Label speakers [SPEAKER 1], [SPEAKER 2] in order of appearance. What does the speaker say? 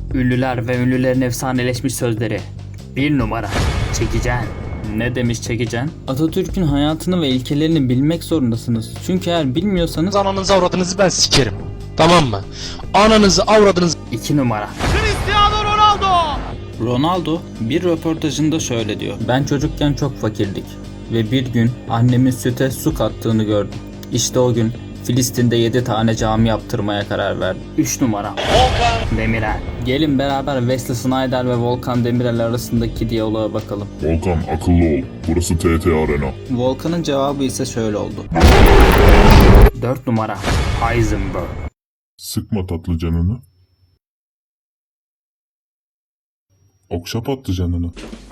[SPEAKER 1] Ünlüler ve ünlülerin efsaneleşmiş sözleri. 1 numara. Çekecen. Ne demiş Çekecen? Atatürk'ün hayatını ve ilkelerini bilmek zorundasınız. Çünkü eğer bilmiyorsanız...
[SPEAKER 2] Ananızı avradınızı ben sikerim. Tamam mı? Ananızı avradınızı...
[SPEAKER 1] 2 numara.
[SPEAKER 3] Cristiano Ronaldo!
[SPEAKER 1] Ronaldo bir röportajında şöyle diyor. Ben çocukken çok fakirdik ve bir gün annemin süte su kattığını gördüm. İşte o gün Filistin'de 7 tane cami yaptırmaya karar verdim. 3 numara. Volkan Demirel. Gelin beraber Wesley Sneijder ve Volkan Demirel arasındaki diyaloğa bakalım.
[SPEAKER 4] Volkan akıllı ol. Burası TT Arena.
[SPEAKER 1] Volkan'ın cevabı ise şöyle oldu. 4 numara. Heisenberg.
[SPEAKER 4] Sıkma tatlı canını. Okşa patlı canını.